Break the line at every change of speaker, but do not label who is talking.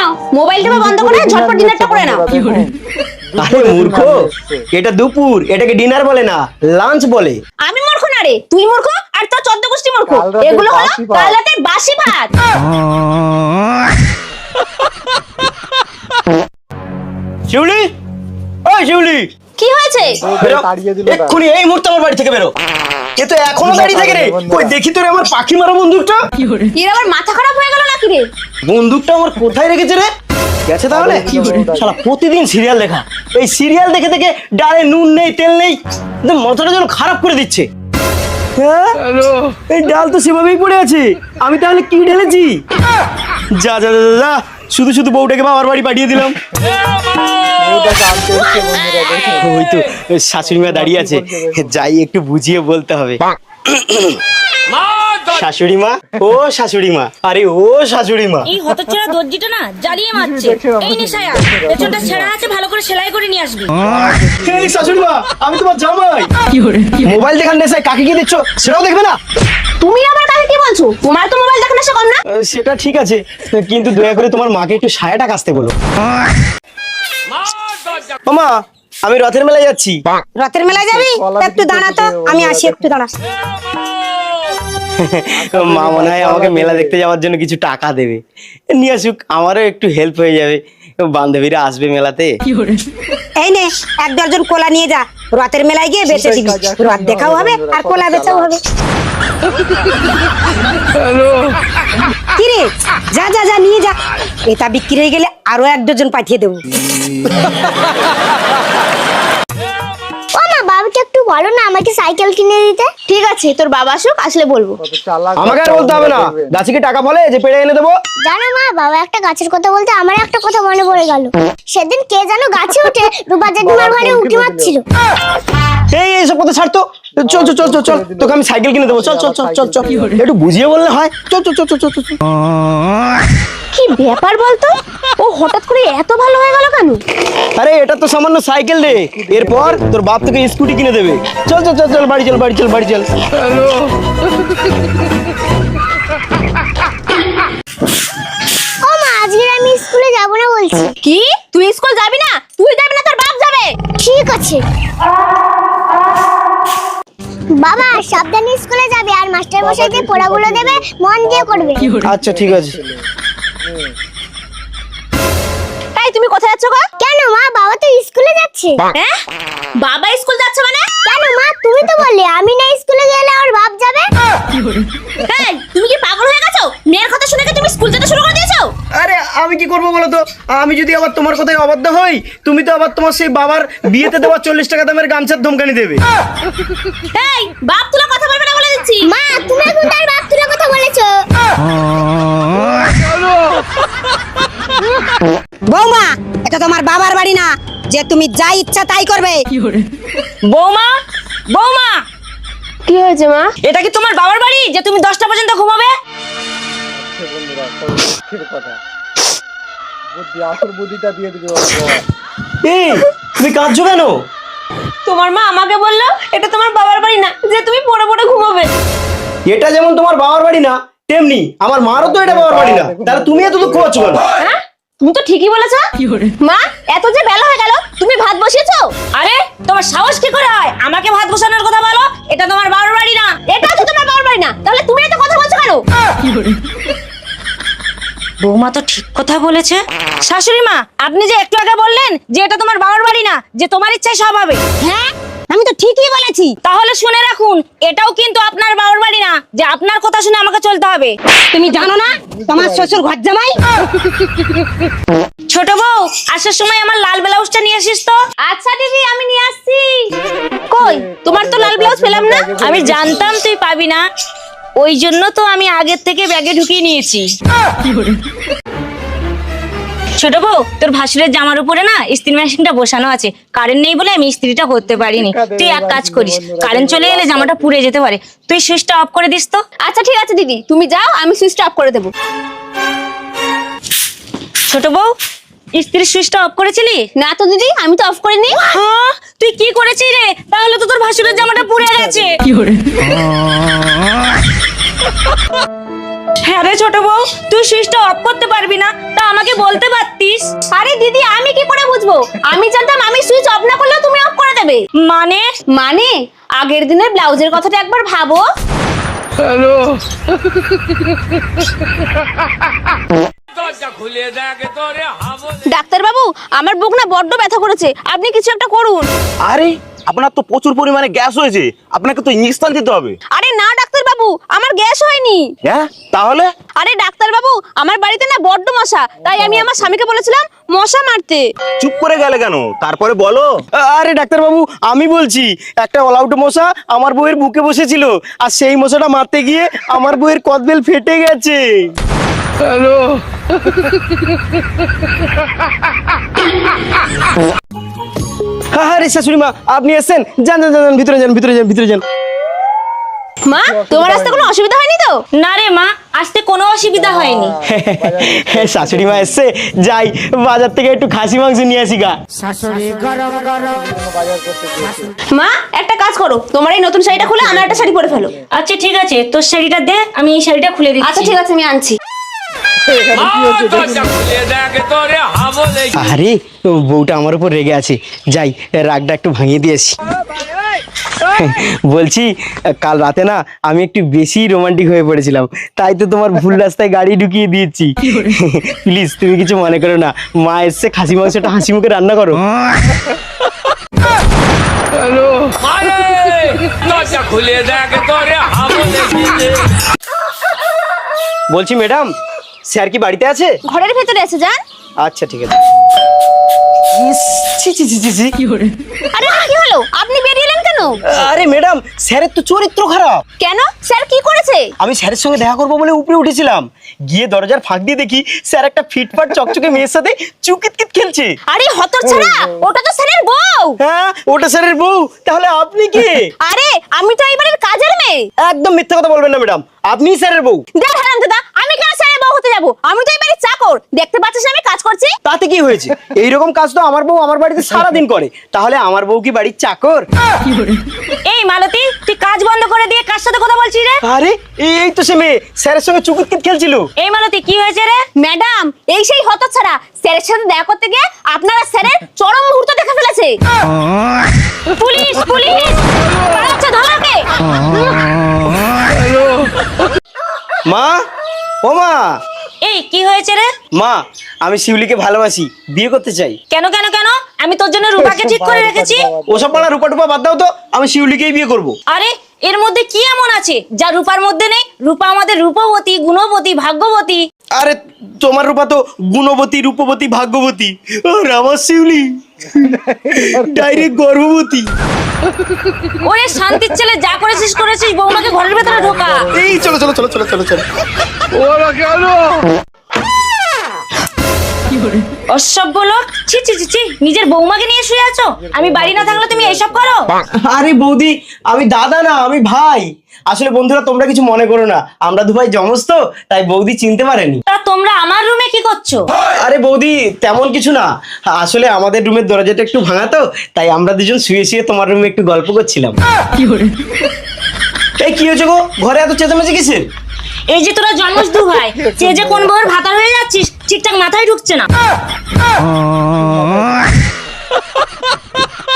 নাও মোবাইলটা বন্ধ করে ঝটপট ডিনারটা করে নাও।
আরে মূর্খ, এটা দুপুর, এটাকে ডিনার বলে না, লাঞ্চ বলে।
আমি মূর্খ না রে, তুই মূর্খ আর তোর 14 গোষ্ঠী মূর্খ। এগুলো হলো কাল রাতে বাসি ভাত।
শিউলি, ওই শিউলি,
কি হয়েছে?
বেরো এক্ষুনি, এই মুহূর্তে আমার বাড়ি থেকে বেরো। এ তো এখনো দাঁড়িয়ে থাকে রে। কই দেখি তোরে আমার পাখি মারা বন্দুকটা।
এর আবার মাথা খারাপ হয়ে গেল নাকি রে?
বন্দুকটা আমার কোথায় রেখেছে রে? গেছে তাহলে। শালা প্রতিদিন সিরিয়াল দেখা, এই সিরিয়াল দেখে দেখে ডালে নুন নেই তেল নেই, মাথাটা যেন খারাপ করে দিচ্ছে। হ্যাঁ, এই ডাল তো সেভাবেই পড়ে আছে, আমি তাহলে কি ঢেলেছি? যা যা যা যা, শুধু শুধু বউটাকে বাবার বাড়ি পাঠিয়ে দিলাম। ওই তো শাশুড়ি মা দাঁড়িয়ে আছে, যাই একটু বুঝিয়ে বলতে হবে। শাশুড়ি মা, ও শাশুড়ি মা, আরে ও শাশুড়ি মা।
এই হতচ্ছাড়া দর্জিটা না জ্বালিয়ে মারছে। এই নিশায়া, পেছনটা ছেঁড়া আছে, ভালো করে সেলাই করে নিয়ে আসবি।
এই শাশুড়ি মা, আমি তোমার জামাই। মোবাইল দেখার নেশায় কাকে কি দিচ্ছ সেটাও দেখবে না?
তুমি আবার কাকে কি বলছো? তোমার তো মোবাইল দেখা নেশা কম না?
সেটা ঠিক আছে, কিন্তু দয়া করে তোমার মাকে একটু সায়াটা কাচতে বলো। মামা, আমি রথের মেলায় যাচ্ছি।
রথের মেলায় যাবি? একটু দাঁড়া তো, আমি আসি, একটু দাঁড়া।
মা মনে হয় আমাকে মেলা দেখতে যাওয়ার জন্য কিছু টাকা দেবে, নিয়ে আসুক, আমারও একটু হেল্প হয়ে যাবে। বান্ধবীরা আসবে মেলাতে।
এই নে, 1 ডজন কোলা নিয়ে যা, রথের মেলায় গিয়ে বেচে দিবি। রথ দেখাও হবে আর কোলা বেচাও হবে। কি রে, যা যা যা নিয়ে যা, এটা বিক্রি হয়ে গেলে আরো 1 ডজন পাঠিয়ে দেবো।
ও মা, বাবাকে একটু বলো না আমাকে সাইকেল কিনে দিতে।
ঠিক আছে, তোর বাবা আসুক, আসলে বলবো।
আমাকে আর বলতে হবে না, গাছে কি টাকা বলে যে পেড়ে এনে দেবো?
জানো মা, বাবা একটা গাছের কথা বলতে আমার একটা কথা মনে পড়ে গেল। সেদিন কে যেন গাছে উঠে রূপা জেঠিমার ঘরে উঠে মারছিল।
এই এইসব কথা ছাড়তো, চল চল চল চল চল, তোকে আমি সাইকেল কিনে দেবো, চল চল চল চল চল, একটু বুঝিয়ে বললে হয়। চল চল চল চল চল চল।
কি ব্যাপার বলতো, ও হঠাৎ করে এত ভালো হয়ে গেল কেন?
আরে এটা তো সামান্য সাইকেল রে, এরপর তোর বাপ তোকে স্কুটি কিনে দেবে। চল চল চল চল, বাড়ি চল বাড়ি চল বাড়ি চল।
ও মা, আজকে আমি স্কুলে যাব না বলছি।
কি, তুই স্কুল যাবি না? তুই যাবি না, তোর বাপ যাবে।
ঠিক আছে বাবা, সাবধানে স্কুলে যাবে আর মাস্টার মশাই যে পড়াগুলো দেবে মন দিয়ে করবে।
আচ্ছা ঠিক আছে।
এই তুমি কোথায় যাচ্ছ গো?
কেন মা, বাবা তো স্কুলে যাচ্ছে।
হ্যাঁ, বাবা স্কুল যাচ্ছে মানে?
কেন মা, তুমি তো বললে আমি না স্কুলে গেলে আমার বাপ যাবে।
এই, তুমি কি পাগল হয়ে গেছো? মেয়ের কথা শুনে কি তুমি স্কুল যেতে শুরু করে দিয়েছো?
আরে আমি কি করবো বলো তো, আমি যদি আবার তোমার কথায় অবাধ্য হই, তুমি তো আবার তোমার সেই বাবার বিয়েতে দেওয়া 40 টাকা দামের গামছার ধমকানি দেবে।
এই, বাপ তুলে কথা বলবে না বলে দিচ্ছি।
মা, তুমি এখন তার বাপ তুলে কথা বলেছো।
বৌমা, এটা তোমার বাবার বাড়ি না যে তুমি যা ইচ্ছা তাই করবে।
বৌমা, বৌমা,
কি হয়েছে মা?
এটা কি তোমার বাবার বাড়ি যে তুমি 10টা পর্যন্ত ঘুমাবে?
এই তুমি কাঁদছো কেন?
তোমার মা আমাকে বললো এটা তোমার বাবার বাড়ি না যে তুমি পড়ে পড়ে ঘুমাবে।
এটা যেমন তোমার বাবার বাড়ি না, তেমনি আমার মারও তো এটা বাবার বাড়ি না, তাহলে তুমি এত দুঃখ পাচ্ছ কেন?
হ্যাঁ, তুমি তো ঠিকই বলেছো। মা, এত যে বেলা হয়ে গেল, তুমি ভাত বসিয়েছো?
আরে তোমার সাহস কি করে হয় আমাকে ভাত বসানোর কথা বলো? এটা তোমার বাবার বাড়ি না।
এটা তো তোমার বাবার বাড়ি না, তাহলে তুমি এত কথা বলছো কেন?
বৌমা তো ঠিক কথা বলেছে। শাশুড়ি মা, আপনি যে একটু আগে বললেন যে এটা তোমার বাবার বাড়ি না, যে তোমার ইচ্ছায় সব হবে।
হ্যাঁ, আমি তো ঠিকই বলেছি।
তাহলে শুনে রাখুন, এটাও কিন্তু আপনার বাবার বাড়ি না যে আপনার কথা শুনে আমাকে চলতে হবে।
তুমি জানো না তোমার শ্বশুর ঘর জামাই?
ছোট বউ, আসার সময় আমার লাল ব্লাউজটা নিয়ে আসিস তো।
আচ্ছা দিদি, আমি নিয়ে আসছি। কই, তোমার তো লাল ব্লাউজ পেলাম না।
আমি জানতাম তুই পাবি না, ওই জন্য তো আমি আগের থেকে ব্যাগে ঢুকিয়ে নিয়েছি। ছোট বউ, তোর ভাসুরের জামার উপরে না ইস্ত্রি মেশিনটা বসানো আছে, কারেন্ট নেই বলে আমি ইস্ত্রিটা করতে পারিনি। তুই এক কাজ করিস, কারেন্ট চলে এলে জামাটা পুড়ে যেতে পারে, তুই সুইচটা অফ করে দিস তো।
আচ্ছা ঠিক আছে দিদি, তুমি যাও, আমি সুইচটা অফ করে দেবো।
ছোট বউ, ইস্ত্রির সুইচটা অফ করেছিলি?
না তো দিদি, আমি তো অফ করিনি।
হ্যাঁ, তুই কি করেছিস রে? তাহলে তো তোর ভাসুরের জামাটা পুড়ে গেছে। হ্যাঁ রে ছোট বউ, তুই সুইচটা অফ করতে পারবি না, তা আমাকে বলতে পারতিস।
আরে দিদি আমি কি করে বুঝবো? আমি জানতাম আমি সুইচ অফ না করলেও তুমি অফ করে দেবে। মানে আগের দিনের ব্লাউজের কথাটা একবার ভাবো। ডাক্তার বাবু, আমার বুক না বড্ড ব্যথা করেছে, আপনি কিছু একটা করুন।
আরে আপনার তো প্রচুর পরিমাণে গ্যাস হয়েছে, আপনাকে তো ইঞ্জেকশন দিতে হবে।
আরে না ডাক্তার বাবু, আমার গ্যাস হয়নি।
হ্যাঁ তাহলে?
আরে ডাক্তার বাবু, আমার বাড়িতে না বড্ড মশা, তাই আমি আমার স্বামীকে বলেছিলাম মশা মারতে।
চুপ করে গেলে কেন, তারপরে বলো। আরে ডাক্তার বাবু আমি বলছি, একটা অলআউট মশা আমার বউয়ের বুকে বসেছিল, আর সেই মশাটা মারতে গিয়ে আমার বউয়ের কদবেল ফেটে গেছে। হ্যালো। আরে শাশুড়ি মা আপনি এসেছেন, যান যান যান, ভিতরে যান ভিতরে যান ভিতরে যান।
মা তোমার আসতে কোনো অসুবিধা হয়নি তো?
না রে মা, আসতে কোনো অসুবিধা হয়নি।
শাশুড়ি মা এসছে, যাই বাজার থেকে একটু খাসি মাংস নিয়ে আসি গা।
মা একটা কাজ করো, তোমার এই নতুন শাড়িটা খুলে আমার একটা শাড়ি পরে ফেলো।
আচ্ছা ঠিক আছে, তোর শাড়িটা দে, আমি এই শাড়িটা খুলে দিচ্ছি।
আচ্ছা ঠিক আছে, আমি আনছি।
আরে বউটা আমার উপর রেগে আছে, যাই রাগটা একটু ভাঙিয়ে দিয়েছি। বলছি কাল রাতে না আমি একটু বেশি রোমান্টিক হয়ে পড়েছিলাম, তাই তো তোমার ভুল রাস্তায় গাড়ি ঢুকিয়ে দিয়েছি। প্লিজ তুমি কিছু মনে করো না, মা এসছে, খাসি মাংসটা হাসি মুখে রান্না করো। বলছি ম্যাডাম, স্যার কি বাড়িতে আছে?
ঘরের ভেতরে আছে, যান।
আচ্ছা ঠিক আছে। ছি ছি ছি ছি ছি।
আরে কি হলো, আপনি বেরিয়ে এলেন কেন?
আরে ম্যাডাম স্যারের তো চরিত্র খারাপ।
কেন, স্যার কি করেছে?
আমি স্যারের সঙ্গে দেখা করবো বলে উপরে উঠেছিলাম, গিয়ে দরজার ফাঁক দিয়ে দেখি স্যার একটা ফিটফাট চকচকে মেয়ের সাথে চুকিতকিত খেলছে।
আরে হতচ্ছাড়া, ওটা তো স্যারের বউ।
হ্যাঁ ওটা স্যারের বউ, তাহলে আপনি কি?
আরে আমি তো এবারের কাজের মেয়ে।
একদম মিথ্যা কথা বলবেন না ম্যাডাম, আপনিই স্যারের বউ।
দেখ হারামজাদা, আমি কেন স্যারের বউ হতে যাব? আমি তো এবারে চাকর, দেখতে পাচ্ছিস না আমি কাজ করছি?
তাতে কি হয়েছে, এইরকম কাজ তো আমার বউ আমার বাড়িতে সারাদিন করে, তাহলে আমার বউ কি বাড়ির চাকর?
এই মালতী, তুই কাজ বন্ধ করে দিয়ে কার সাথে কথা বলছিস রে?
আরে এই তো সে মেয়ে স্যারের সঙ্গে চুকিতকিত খেলছিল।
এই মালতী কি হয়েছে রে?
ম্যাডাম এই সেই হতচ্ছাড়া স্যারের সাথে দেখা করতে গিয়ে আপনারা স্যারের চরম মুহূর্ত দেখে ফেলেছে।
পুলিশ পুলিশ,
পালাচ্ছে, ধরো ওকে।
মা, ও মা।
এই কি হয়েছে রে?
মা আমি শিউলিকে ভালোবাসি, বিয়ে করতে চাই।
কেন কেন কেন? আমি তোর জন্য রূপাকে ঠিক করে রেখেছি।
ওসব পালা রূপা টুপা বাদ দাও তো, আমি শিউলিকেই বিয়ে করব।
আরে এর মধ্যে কি এমন আছে যা রূপার মধ্যে নেই? রূপা আমাদের রূপবতী, গুণবতী, ভাগ্যবতী।
আরে তোমার রূপা তো গুণবতী, রূপবতী, ভাগ্যবতী, আর আমার শিউলি ডাইরেক্ট গর্ভবতী।
ওরে শান্তির ছেলে, যা করেছিস করেছিস, বৌমাকে ঘরের ভেতরে ঢোকা।
এই চলো চলো চলো চলো চলো চলো।
অসভ্য লোক, ছি ছি ছি ছি, নিজের বৌমাকে নিয়ে শুয়ে আছো? আমি বাড়ি না থাকলে তুমি এইসব করো?
আরে বৌদি আমি দাদা না, আমি ভাই। আসলে বন্ধুরা তোমরা কিছু মনে করো না, আমরা দু ভাই জমজ তো, তাই বৌদি চিনতে পারেনি।
তা তোমরা আমার রুমে কি করছো?
আরে বৌদি তেমন কিছু না, আসলে আমাদের রুমের দরজাটা একটু ভাঙা তো, তাই আমরা দুজন শুয়ে শুয়ে তোমার রুমে একটু গল্প করছিলাম। এই কি হয়েছে গো, ঘরে এত চেঁচামেচি কিসের?
এই যে তোরা জন্মস দু ভাই, যে কোন বউয়ের ভাতার হয়ে যাচ্ছিস, ঠিকঠাক মাথায় ঢুকছে না।